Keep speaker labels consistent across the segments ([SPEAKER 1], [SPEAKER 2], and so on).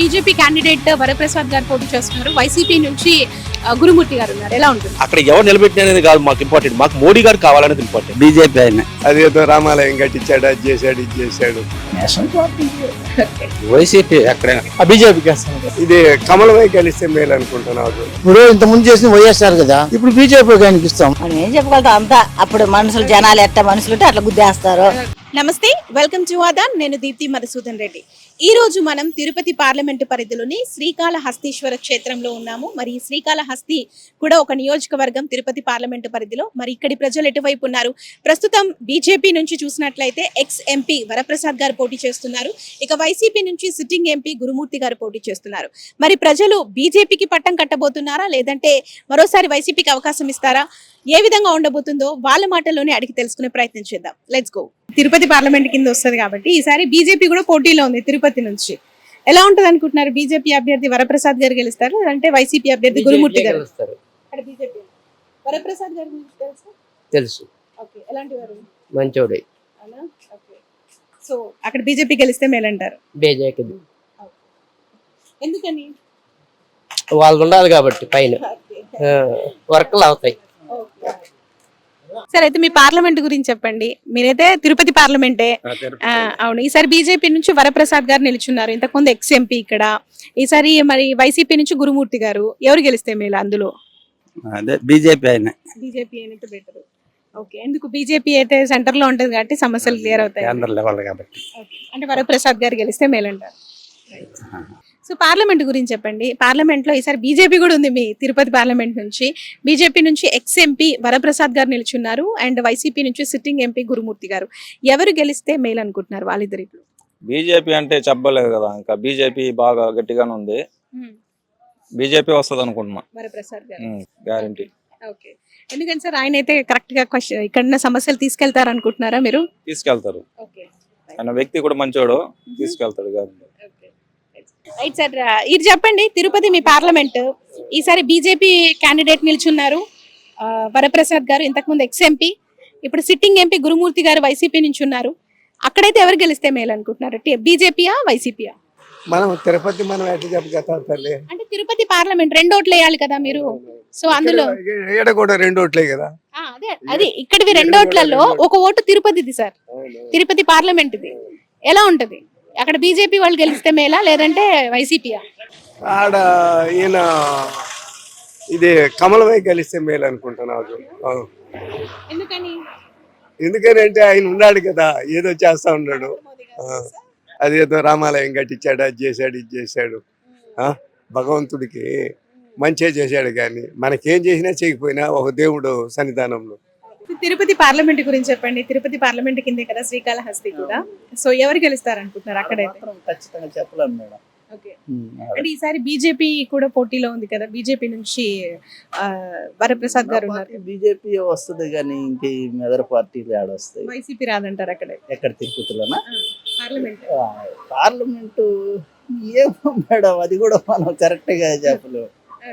[SPEAKER 1] BJP candidate Varaprasad గారు పోటీ చేస్తున్నారు. వైసీపీ నుంచి గురుమూర్తి గారు ఉన్నారు. ఎలా ఉంటుంది?
[SPEAKER 2] అక్కడ ఎవరు నిలబెట్టినది కాదు మాకు ఇంపార్టెంట్, మాకు మోడీ గారు కావాలనేది ఇంపార్టెంట్.
[SPEAKER 3] బీజేపీ ఆయన
[SPEAKER 4] అదేదో రామాలయం కట్టించాడు, అది చేశాడు, ఇది చేశాడు.
[SPEAKER 3] నేషనల్ పార్టీ వైసీపీ ఎక్కడైనా
[SPEAKER 4] బీజేపీకి ఇది కమలమై కలిస్తే మేలు అనుకుంటున్నాను.
[SPEAKER 3] ఇప్పుడు ఇంత ముందు చేసిన వైఎస్ఆర్ కదా, ఇప్పుడు బీజేపీ ఆయనకి ఇస్తాం.
[SPEAKER 5] మనం ఏం చెప్పగలుగుతాం? అంతా అప్పుడు మనుషులు జనాలు ఎట్ట మనుషులు ఉంటే అట్లా గుద్దేస్తారు.
[SPEAKER 1] నమస్తే, వెల్కమ్ టు ఆదాన్. నేను దీప్తి మధుసూదన్ రెడ్డి. ఈ రోజు మనం తిరుపతి పార్లమెంటు పరిధిలోని శ్రీకాళహస్తీశ్వర క్షేత్రంలో ఉన్నాము. మరి శ్రీకాళహస్తి కూడా ఒక నియోజకవర్గం తిరుపతి పార్లమెంటు పరిధిలో. మరి ఇక్కడి ప్రజలు ఎటువైపు ఉన్నారు? ప్రస్తుతం బీజేపీ నుంచి చూసినట్లయితే ఎక్స్ ఎంపీ వరప్రసాద్ గారు పోటీ చేస్తున్నారు. ఇక వైసీపీ నుంచి సిట్టింగ్ ఎంపీ గురుమూర్తి గారు పోటీ చేస్తున్నారు. మరి ప్రజలు బీజేపీకి పట్టం కట్టబోతున్నారా, లేదంటే మరోసారి వైసీపీకి అవకాశం ఇస్తారా? ఏ విధంగా ఉండబోతుందో వాళ్ళ మాటల్లోనే అడిగి తెలుసుకునే ప్రయత్నం చేద్దాం. Let's go. తిరుపతి పార్లమెంట్ కింద వస్తుంది కాబట్టి ఈసారి బీజేపీ కూడా పోటీలో ఉంది తిరుపతి నుంచి. ఎలా ఉంటది అనుకుంటున్నారు? బీజేపీ అభ్యర్థి వరప్రసాద్ గారు గెలుస్తారు, అంటే వైసీపీ అభ్యర్థి గురుమూర్తి గారు? వరప్రసాద్ గారు
[SPEAKER 6] తెలుసు.
[SPEAKER 1] ఓకే, ఎలాంటి వారు?
[SPEAKER 6] మంచోడే.
[SPEAKER 1] ఓకే, సో అక్కడ బీజేపీ గెలిస్తే మేలంటారు?
[SPEAKER 6] బీజేపీ
[SPEAKER 1] ఎందుకని?
[SPEAKER 6] వాళ్ళు ఉండాలి కాబట్టి పైన వర్క్లు అవుతాయి.
[SPEAKER 1] సరే, అయితే మీ పార్లమెంట్ గురించి చెప్పండి. మీరైతే తిరుపతి పార్లమెంటే. అవును, ఈసారి బీజేపీ నుంచి వరప్రసాద్ గారు నిలుచున్నారు, ఇంతకుముందు ఎక్స్ ఎంపీ ఇక్కడ. ఈసారి మరి వైసీపీ నుంచి గురుమూర్తి గారు. ఎవరు గెలిస్తే మేలు అందులో?
[SPEAKER 3] అదే బీజేపీ ఆయన.
[SPEAKER 1] బీజేపీ అయితే బెటర్. ఓకే, ఎందుకు? బీజేపీ అయితే సెంటర్ లో ఉంటది కాబట్టి సమస్యలు క్లియర్ అవుతాయి
[SPEAKER 3] కాబట్టి.
[SPEAKER 1] అంటే వరప్రసాద్ గారు గెలిస్తే మేలంటారు. సో పార్లమెంట్ గురించి చెప్పండి. పార్లమెంట్ లో ఈసారి బీజేపీ కూడా ఉంది. మీ తిరుపతి పార్లమెంట్ నుంచి బీజేపీ నుంచి ఎక్స్ ఎంపీ వరప్రసాద్ గారు నిలుచున్నారు, అండ్ వైసీపీ నుంచి సిట్టింగ్ ఎంపీ గురుమూర్తి గారు. ఎవరు గెలిస్తే మేలు అనుకుంటున్నారు వాళ్ళిద్దరిలో?
[SPEAKER 7] బీజేపీ అంటే చెప్పలేదు కదా, ఇంకా బీజేపీ బాగా గట్టిగానే ఉంది. బీజేపీ వస్తుంది అనుకుంటున్నా,
[SPEAKER 1] వరప్రసాద్ గారు
[SPEAKER 7] గ్యారంటీ.
[SPEAKER 1] ఓకే, ఎందుకంటే సార్ ఆయన అయితే కరెక్ట్ గా ఇక్కడ సమస్యలు తీసుకెళ్తారు అనుకుంటున్నారా మీరు?
[SPEAKER 7] తీసుకెళ్తారు.
[SPEAKER 1] ఓకే,
[SPEAKER 7] ఆయన వ్యక్తి కూడా మంచోడు, తీసుకెళ్తాడు గ్యారంటీ.
[SPEAKER 1] రైట్ సార్, ఇది చెప్పండి. తిరుపతి మీ పార్లమెంట్, ఈసారి బీజేపీ క్యాండిడేట్ నిల్చున్నారు వరప్రసాద్ గారు, ఇంతకుముందు ఎక్స్ ఎంపీ. ఇప్పుడు sitting MP Gurumurthy garu YCP నుంచి ఉన్నారు. అక్కడైతే ఎవరు గెలిస్తే మేలు అనుకుంటున్నారు? బీజేపీయా వైసీపీయా?
[SPEAKER 4] మనం తిరుపతి మనం ఎట్లా చెప్పగలుగుతాం తల్లి?
[SPEAKER 1] అంటే తిరుపతి పార్లమెంట్ 2 ఓట్లు వేయాలి కదా మీరు. సో అందులో
[SPEAKER 4] ఈడ కూడా 2 ఓట్లే కదా.
[SPEAKER 1] అదే అది ఇక్కడివి 2 ఓట్లలో 1 ఓటు తిరుపతిది సార్, తిరుపతి పార్లమెంట్ ఇది. ఎలా ఉంటది అక్కడ? బీజేపీ వాళ్ళు గెలిస్తే మేలా, లేదంటే వైసీపీయా?
[SPEAKER 4] ఆడ ఈయన ఇది కమలమై కలిస్తే మేలు అనుకుంటున్నాను.
[SPEAKER 1] ఎందుకని?
[SPEAKER 4] ఎందుకని అంటే ఆయన ఉన్నాడు కదా, ఏదో చేస్తా ఉన్నాడు. అదేదో రామాలయం కట్టించాడు, అది చేశాడు, ఇది చేశాడు. భగవంతుడికి మంచిగా చేశాడు, కానీ మనకేం చేసినా చేయకపోయినా ఒక దేవుడు సన్నిధానంలో.
[SPEAKER 1] తిరుపతి పార్లమెంట్ గురించి చెప్పండి. తిరుపతి పార్లమెంట్ కిందే కదా శ్రీకాళహస్తి కూడా. సో ఎవరు గెలుస్తారు అనుకుంటున్నారు అక్కడైతే?
[SPEAKER 3] ఖచ్చితంగా చెప్పలేము మేడం.
[SPEAKER 1] ఓకే, అంటే ఈసారి బీజేపీ కూడా పోటీలో ఉంది కదా, బీజేపీ నుంచి వరప్రసాద్ గారు ఉన్నారు.
[SPEAKER 3] బీజేపీ వస్తుంది కానీ ఇంకే మెదర్ పార్టీలు ఆడొస్తాయి.
[SPEAKER 1] వైసీపీ రాదంటారు అక్కడే?
[SPEAKER 3] ఎక్కడ తిరుపతిలోనా?
[SPEAKER 1] పార్లమెంట్
[SPEAKER 3] ఏమో మేడం, అది కూడా మనం కరెక్ట్ గా చెప్పలేము.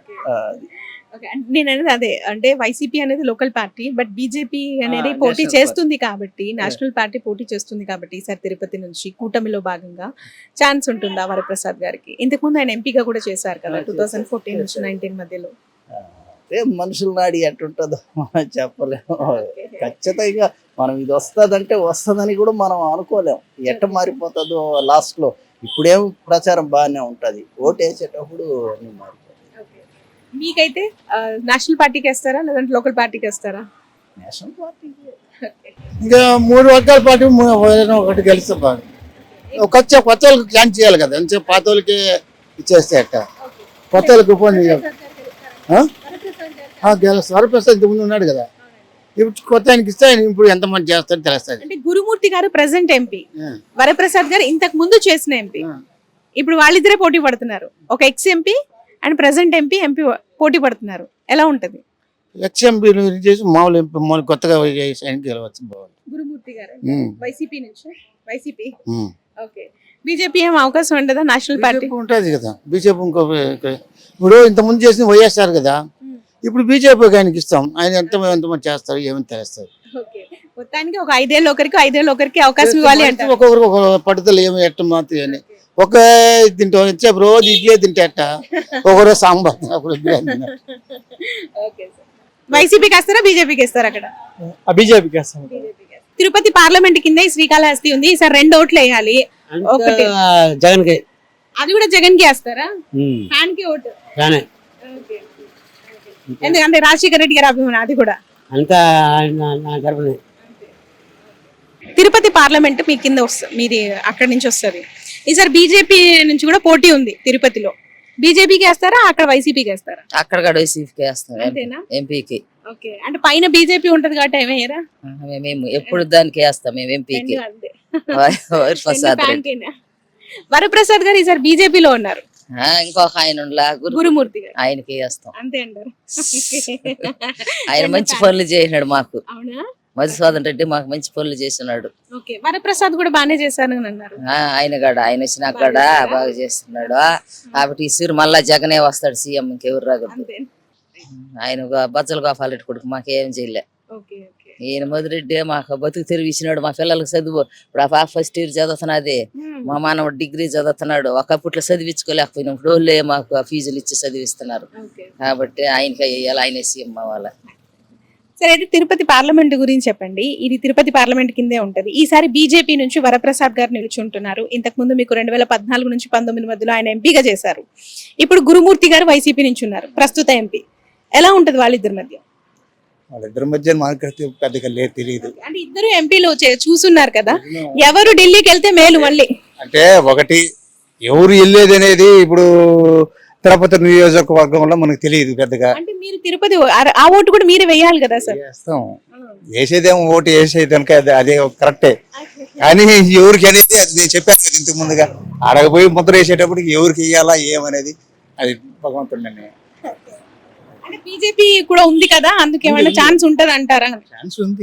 [SPEAKER 1] నేను అనేది అదే, అంటే వైసీపీ అనేది లోకల్ పార్టీ, బట్ బీజేపీ అనేది పోటీ చేస్తుంది కాబట్టి, నేషనల్ పార్టీ పోటీ చేస్తుంది కాబట్టి ఈసారి తిరుపతి నుంచి కూటమిలో భాగంగా ఛాన్స్ ఉంటుందా వరప్రసాద్ గారికి? ఇంతకుముందు ఆయన ఎంపీగా కూడా చేశారు కదా 2014 నుంచి 19 మధ్యలో.
[SPEAKER 3] మనుషుల నాడి ఎట్టుంటుందో మనం చెప్పలేము. ఖచ్చితంగా మనం ఇది వస్తుందంటే వస్తుందని కూడా మనం అనుకోలేము. ఎట్ట మారిపోతుందో లాస్ట్ లో. ఇప్పుడేం ప్రచారం బాగానే ఉంటది, ఓటు వేసేటప్పుడు అన్ని మారిపోతాయి.
[SPEAKER 1] మీకైతే నేషనల్ పార్టీకి వేస్తారా, లేదంటే లోకల్ పార్టీకి వేస్తారా?
[SPEAKER 3] National party. ఇంకా 3 వర్గాల పార్టీ ఒకటి గెలిస్తే బాగా. కొత్త వాళ్ళకి ఛాన్స్ చేయాలి కదా, అంతే పాత వాళ్ళకి ఇచ్చేస్తే అట్ట. కొత్త వాళ్ళకి ఉపయోగం గెలుస్తారు. వరప్రసాద్ ఇంత ముందు ఉన్నాడు కదా, ఇప్పుడు కొత్త ఆయనకి ఇస్తే ఆయన ఇప్పుడు ఎంత మంది చేస్తారో తెలుస్తుంది.
[SPEAKER 1] అంటే గురుమూర్తి గారు ప్రెసెంట్ ఎంపీ, వరప్రసాద్ గారు ఇంతకు ముందు చేసిన ఎంపీ. ఇప్పుడు వాళ్ళిద్దరే పోటీ పడుతున్నారు. ఒక ex MP and present MP పోటీ పడుతున్నారు. ఎలా ఉంటది?
[SPEAKER 3] ఎక్స్ ఎంపీ చేసి మామూలు ఎంపీ మామూలు కొత్తగా గెలవచ్చు. బాగుంది.
[SPEAKER 1] గురుమూర్తి గారు వైసీపీ నుంచి. వైసీపీ. ఓకే, బీజేపీ ఏం అవకాశం ఉండదా? నేషనల్ పార్టీ
[SPEAKER 3] ఉంటుంది కదా. బీజేపీ ఇంకో ఇప్పుడు ఇంత ముందు చేసిన వైఎస్ఆర్ కదా, ఇప్పుడు బీజేపీకి ఆయనకి ఇస్తాం. ఆయన ఎంతమంది చేస్తారు ఏమని తెలుస్తారు.
[SPEAKER 1] మొత్తానికి ఒక 5 ఏళ్ళు ఒకరికి 5 ఏళ్ళు ఒకరికి అవకాశం ఇవ్వాలి అంటే
[SPEAKER 3] ఒక్కొక్కరికి ఒక పట్టుదల ఏమి ఎట్ట మాత్రం
[SPEAKER 8] ఒకే తింటాం వచ్చే రోజు ఇడ్లీ తింటేట ఒకరోజు సాంబార్ ఒకరోజు బిర్యానీ తింటా.
[SPEAKER 1] వైసీపీకి వేస్తారా బీజేపీకి వేస్తారా అక్కడ?
[SPEAKER 9] బీజేపీకి వేస్తాం.
[SPEAKER 1] తిరుపతి పార్లమెంట్ కింద ఈ శ్రీకాళహస్తి ఉంది, ఈసారి 2 ఓట్లు వేయాలి. ఒకటి
[SPEAKER 6] జగన్ కి
[SPEAKER 1] అది కూడా జగన్ కి వేస్తారా? ఫ్యాన్ కి ఓటు ఎందుకంటే రాజశేఖర రెడ్డి గారి అభిమానం అది కూడా.
[SPEAKER 6] అంతా
[SPEAKER 1] తిరుపతి పార్లమెంట్ మీ కింద వస్తుంది, మీది అక్కడి నుంచి వస్తుంది. ఈసారి బీజేపీ నుంచి కూడా పోటీ ఉంది తిరుపతిలో. బీజేపీకి వేస్తారా అక్కడ వైసీపీకి వేస్తారా?
[SPEAKER 5] అక్కడ కూడా వైసీపీకి వేస్తాం,
[SPEAKER 1] అంతేనా?
[SPEAKER 5] ఎంపీకి.
[SPEAKER 1] ఓకే, అంటే పైన బీజేపీ ఉంటది కాబట్టి ఏమయ్యారా?
[SPEAKER 5] మేము ఎప్పుడు దానికి వేస్తాం, మేము ఎంపీకి. వరప్రసాద్ రెడ్డి.
[SPEAKER 1] వరప్రసాద్ గారు ఈసారి బీజేపీలో ఉన్నారు.
[SPEAKER 5] ఇంకొక ఆయన
[SPEAKER 1] గురుమూర్తి గారు,
[SPEAKER 5] ఆయనకి వేస్తాం.
[SPEAKER 1] అంతే అంటారు.
[SPEAKER 5] ఆయన మంచి పనులు చేసినాడు మాకు.
[SPEAKER 1] అవునా?
[SPEAKER 5] మధుసూదన్ రెడ్డి మాకు మంచి పనులు చేస్తున్నాడు.
[SPEAKER 1] ఓకే, వరప్రసాద్ కూడా బాగానే చేశాను అని అన్నారు.
[SPEAKER 5] ఆయన కూడా ఆయన వచ్చినా కూడా బాగా చేస్తున్నాడు. కాబట్టి ఈసారి మళ్ళా జగనే వస్తాడు సీఎం, ఇంకెవరు రాగలరు.
[SPEAKER 1] అంతే.
[SPEAKER 5] ఆయన బచ్చల గోపాల్ రెడ్డి కొడుకు మాకేం చేయలే.
[SPEAKER 1] Okay okay.
[SPEAKER 5] ఈయన మధురెడ్డి మాకు బతుకు తెరివిచ్చినాడు. మా పిల్లలకు చదువు, ఇప్పుడు ఆ పాప ఫస్ట్ ఇయర్ చదువుతున్నది, మా మానవుడు డిగ్రీ చదువుతున్నాడు. ఒకప్పట్లో చదివించుకోలేకపోయినాం, ఇప్పుడు వాళ్ళే మాకు ఆ ఫీజులు ఇచ్చి చదివిస్తున్నారు. కాబట్టి ఆయనకి వేయాలి, ఆయన సీఎం అవ్వాలి.
[SPEAKER 1] సరే, అయితే తిరుపతి పార్లమెంట్ గురించి చెప్పండి. ఇది తిరుపతి పార్లమెంట్ కిందే ఉంటది. ఈసారి బీజేపీ నుంచి వరప్రసాద్ గారు నిలుచుంటున్నారు. ఇంతకు ముందు మీకు 2014 నుంచి 19 మధ్యలో ఆయన ఎంపీగా చేశారు. ఇప్పుడు గురుమూర్తి గారు వైసీపీ నుంచి ఉన్నారు, ప్రస్తుత ఎంపీ. ఎలా ఉంటది వాళ్ళిద్దరి మధ్య?
[SPEAKER 8] వాళ్ళిద్దరి మధ్య మనకు పెద్దగా లేదు, తెలియదు.
[SPEAKER 1] అంటే ఇద్దరు ఎంపీలు చూస్తున్నారు కదా, ఎవరు ఢిల్లీకి వెళ్తే మేలు మళ్ళీ?
[SPEAKER 8] అంటే ఒకటి ఎవరు వెళ్ళేది అనేది ఇప్పుడు తిరుపతి నియోజకవర్గంలో మనకు తెలియదు పెద్దగా.
[SPEAKER 1] అంటే మీరు తిరుపతి ఆ ఓటు కూడా మీరే వేయాలి కదా సార్?
[SPEAKER 8] వేస్తాం, వేసేదేమో ఓటు వేసేదానిక అదే కరెక్టే. కానీ ఎవరికి అనేది అది నేను చెప్పాను కదా ఇంతకు ముందుగా, అడగపోయి ముద్ర వేసేటప్పటికి ఎవరికి వేయాలా ఏమనేది అది భగవంతుడి నిర్ణయం.
[SPEAKER 1] అంటే బీజేపీ కూడా ఉంది కదా, అందుకేమైనా ఛాన్స్ ఉంటది అంటారా?
[SPEAKER 8] ఛాన్స్ ఉంది,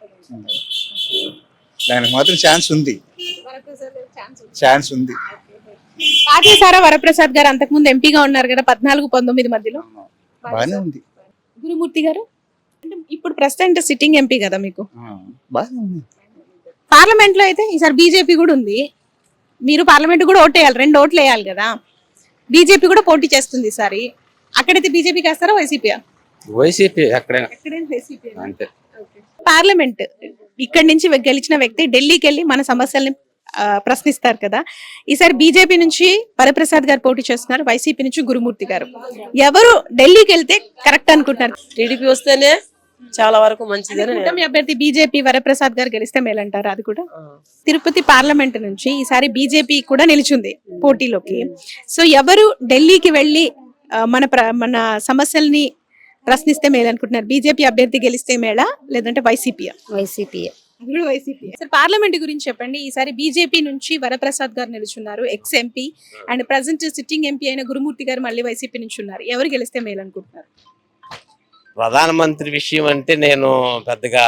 [SPEAKER 8] దానికి మాత్రం ఛాన్స్ ఉంది, ఛాన్స్ ఉంది.
[SPEAKER 1] పాటేశారా వరప్రసాద్ గారు? అంతకు ముందు ఎంపీగా ఉన్నారు కదా 14-19 మధ్యలో.
[SPEAKER 8] బాగానే ఉంది.
[SPEAKER 1] గురుమూర్తి గారు అంటే ఇప్పుడు ప్రెసిడెంట్ సిట్టింగ్ ఎంపీ కదా మీకు.
[SPEAKER 8] బాగానే ఉంది.
[SPEAKER 1] పార్లమెంట్ లో అయితే ఈసారి బీజేపీ కూడా ఉంది, మీరు పార్లమెంట్ కూడా ఓటు వేయాలి, 2 ఓట్లు వేయాలి కదా. బీజేపీ కూడా పోటీ చేస్తుంది ఈసారి. అక్కడైతే బీజేపీకి వేస్తారా వైసీపీ?
[SPEAKER 7] వైసీపీ ఎక్కడైనా అంతే.
[SPEAKER 1] పార్లమెంట్ ఇక్కడి నుంచి గెలిచిన వ్యక్తి ఢిల్లీకి వెళ్ళి మన సమస్యల్ని ప్రశ్నిస్తారు కదా. ఈసారి బీజేపీ నుంచి వరప్రసాద్ గారు పోటీ చేస్తున్నారు, వైసీపీ నుంచి గురుమూర్తి గారు. ఎవరు ఢిల్లీకి వెళ్తే కరెక్ట్ అనుకుంటున్నారు?
[SPEAKER 10] టీడీపీ వస్తేనే చాలా వరకు మంచిదని.
[SPEAKER 1] కూటమి అభ్యర్థి బీజేపీ వరప్రసాద్ గారు గెలిస్తే మేలంటారు అది కూడా. తిరుపతి పార్లమెంట్ నుంచి ఈసారి బీజేపీ కూడా నిలిచింది పోటీలోకి. సో ఎవరు ఢిల్లీకి వెళ్ళి మన సమస్యల్ని ప్రశ్నిస్తే మేలనుకుంటున్నారు? బీజేపీ అభ్యర్థి గెలిస్తే మేళ, లేదంటే వైసీపీ?
[SPEAKER 5] వైసీపీ.
[SPEAKER 1] పార్లమెంట్ గురించి చెప్పండి. ఈసారి బీజేపీ నుంచి వరప్రసాద్ గారు నిలుచున్నారు, ex MP, and present sitting MP అయిన గురుమూర్తి గారు మళ్ళీ వైసీపీ నుంచి ఉన్నారు. ఎవరు గెలిస్తే మేలు అనుకుంటున్నారు?
[SPEAKER 11] ప్రధానమంత్రి విషయం అంటే నేను పెద్దగా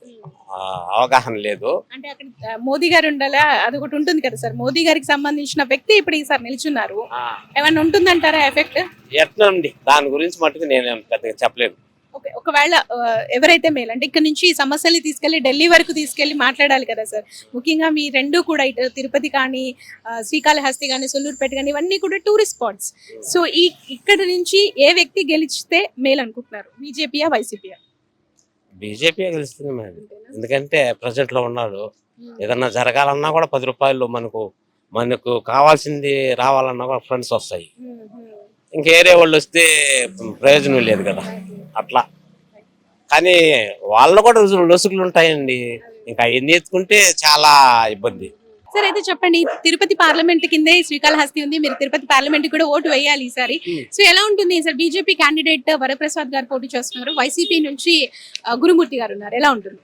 [SPEAKER 11] అవగాహన లేదు.
[SPEAKER 1] అంటే అక్కడ మోదీ గారు ఉండాలా, అది ఒకటి ఉంటుంది కదా సార్. మోదీ గారికి సంబంధించిన వ్యక్తి ఇప్పుడు ఈసారి నిల్చున్నారు, ఏమన్నా ఉంటుందంటారా ఎఫెక్ట్?
[SPEAKER 11] ఎట్లా అండి, దాని గురించి మటుకు నేను పెద్దగా చెప్పలేను.
[SPEAKER 1] ఒకవేళ ఎవరైతే మేలు అంటే ఇక్కడ నుంచి సమస్యల్ని తీసుకెళ్లి ఢిల్లీ వరకు తీసుకెళ్లి మాట్లాడాలి కదా సార్. ముఖ్యంగా మీ రెండు కూడా ఇటు తిరుపతి కానీ, శ్రీకాళహస్తి కానీ, సొల్లూరుపేట కానీ, ఇవన్నీ కూడా టూరిస్ట్ స్పాట్స్. సో ఇక్కడ నుంచి ఏ వ్యక్తి గెలిచితే మేలు అనుకుంటున్నారు? బీజేపీయా వైసీపీయా?
[SPEAKER 11] బీజేపీ గెలుస్తుంది మేడం, ఎందుకంటే ప్రెసిడెంట్ లో ఉన్నాడు. ఏదన్నా జరగాలన్నా కూడా 10 రూపాయలు మనకు కావాల్సింది రావాలన్నా కూడా ఫ్రెండ్స్ వస్తాయి. ఇంకేరే వాళ్ళు వస్తే ప్రయోజనం లేదు కదా అట్లా. కానీ వాళ్ళు కూడా లొసుగులు ఉంటాయండి, ఇంకా ఎన్ని ఎత్తుకుంటే చాలా ఇబ్బంది.
[SPEAKER 1] సార్ అయితే చెప్పండి, తిరుపతి పార్లమెంట్ కిందే శ్రీకాళహస్తి ఉంది, మీరు తిరుపతి పార్లమెంట్ కూడా ఓటు వేయాలి ఈసారి. సో ఎలా ఉంటుంది సార్? బీజేపీ క్యాండిడేట్ వరప్రసాద్ గారు పోటీ చేస్తున్నారు, వైసీపీ నుంచి గురుమూర్తి గారు ఉన్నారు, ఎలా ఉంటుంది?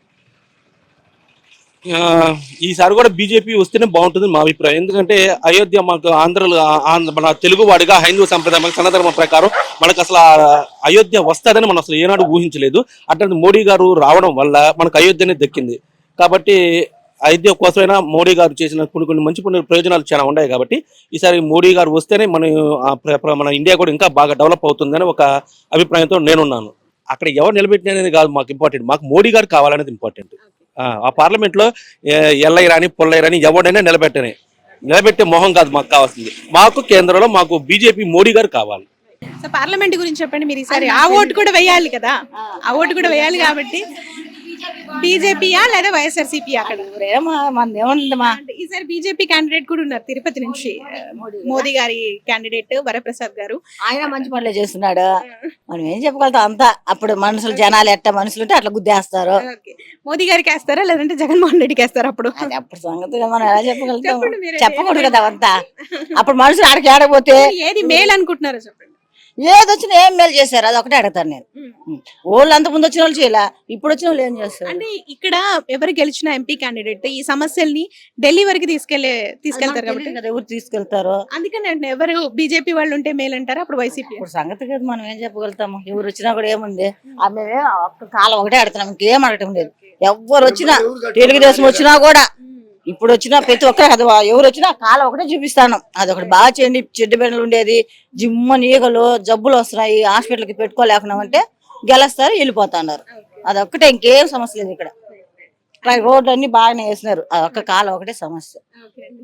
[SPEAKER 2] ఈసారి కూడా బీజేపీ వస్తేనే బాగుంటుంది మా అభిప్రాయం. ఎందుకంటే అయోధ్య మాకు మన తెలుగు వాడిగా హైందవ సంప్రదాయం సనాతన ప్రకారం మనకు అసలు అయోధ్య వస్తుందని మనం అసలు ఏనాడు ఊహించలేదు. అట్లాంటి మోడీ గారు రావడం వల్ల మనకు అయోధ్యనే దక్కింది. కాబట్టి అయోధ్య కోసమైనా మోడీ గారు చేసిన కొన్ని మంచి ప్రయోజనాలు చాలా ఉన్నాయి. కాబట్టి ఈసారి మోడీ గారు వస్తేనే మన ఇండియా కూడా ఇంకా బాగా డెవలప్ అవుతుందని ఒక అభిప్రాయంతో నేనున్నాను. అక్కడ ఎవరు నిలబెట్టినది కాదు మాకు ఇంపార్టెంట్, మాకు మోడీ గారు కావాలనేది ఇంపార్టెంట్. ఆ పార్లమెంట్ లో ఎల్లయ్య రాని పొల్లయ్య రాని ఎవడైనా నిలబెట్టనే, నిలబెట్టే మొహం కాదు మాకు కావాల్సింది. మాకు కేంద్రంలో మాకు బీజేపీ మోడీ గారు కావాలి.
[SPEAKER 1] సో పార్లమెంట్ గురించి చెప్పండి మీరు ఈసారి. ఆ ఓటు కూడా వేయాలి కదా, ఆ ఓటు కూడా వేయాలి కాబట్టి బీజేపీయా లేదా వైఎస్ఆర్సీపీ అక్కడ? అంటే ఈసారి బీజేపీ క్యాండిడేట్ కూడా ఉన్నారు తిరుపతి నుంచి, మోదీ గారి క్యాండిడేట్ వరప్రసాద్ గారు.
[SPEAKER 9] ఆయన మంచి పనులే చేస్తున్నాడు. మనం ఏం చెప్పగలుగుతాం, అంతా అప్పుడు మనుషులు జనాలు ఎట్ట మనుషులు ఉంటే అట్లా గుద్దేస్తారు.
[SPEAKER 1] Okay. మోదీ గారికి వేస్తారా లేదంటే జగన్మోహన్ రెడ్డికి వేస్తారా? అప్పుడు
[SPEAKER 9] అది అప్పుడు సంగతి మనం ఎలా చెప్పగలుగుతాం,
[SPEAKER 1] చెప్పండి మీరే.
[SPEAKER 9] చెప్పకూడదు కదా అవంతా. అప్పుడు మనుషులు ఆడికి ఆడకపోతే
[SPEAKER 1] ఏది మేలు అనుకుంటున్నారో చెప్పండి.
[SPEAKER 9] ఏది వచ్చినా ఏం మేలు చేశారు అది ఒకటే అడుగుతాను నేను. వాళ్ళు అంత ముందు వచ్చిన వాళ్ళు చేయలే, ఇప్పుడు వచ్చిన వాళ్ళు ఏం చేస్తారు?
[SPEAKER 1] అంటే ఇక్కడ ఎవరు గెలిచిన ఎంపీ క్యాండిడేట్ ఈ సమస్యల్ని ఢిల్లీ వరకు తీసుకెళ్తారు కాబట్టి
[SPEAKER 9] కదా ఎవరు తీసుకెళ్తారు.
[SPEAKER 1] అందుకని అంటే ఎవరు బీజేపీ వాళ్ళు ఉంటే మేలు అంటారా అప్పుడు వైసీపీ?
[SPEAKER 9] ఇప్పుడు సంగతి కదా మనం ఏం చెప్పగలుగుతాము. ఎవరు వచ్చినా కూడా ఏముంది, ఆమె ఒక్క కాలం ఒకటే అడుగుతున్నాం, ఇంకేం అడగటం లేదు. ఎవరు వచ్చినా, తెలుగుదేశం వచ్చినా కూడా, ఇప్పుడు వచ్చినా ప్రతి ఒక్కరు కదా, ఎవరు వచ్చినా కాలం ఒకటే చూపిస్తాను. అదొకటి బాగా చేయండి. చెడ్డ బెండలు ఉండేది, జిమ్మ నీగలు జబ్బులు వస్తున్నాయి, హాస్పిటల్కి పెట్టుకోలేకున్నామంటే గెలుస్తారు, వెళ్ళిపోతున్నారు. అదొక్కటే, ఇంకేం సమస్య లేదు ఇక్కడ. రోడ్లు అన్ని బాగానే వేసినారు, అదొక్క కాలం ఒకటే సమస్య.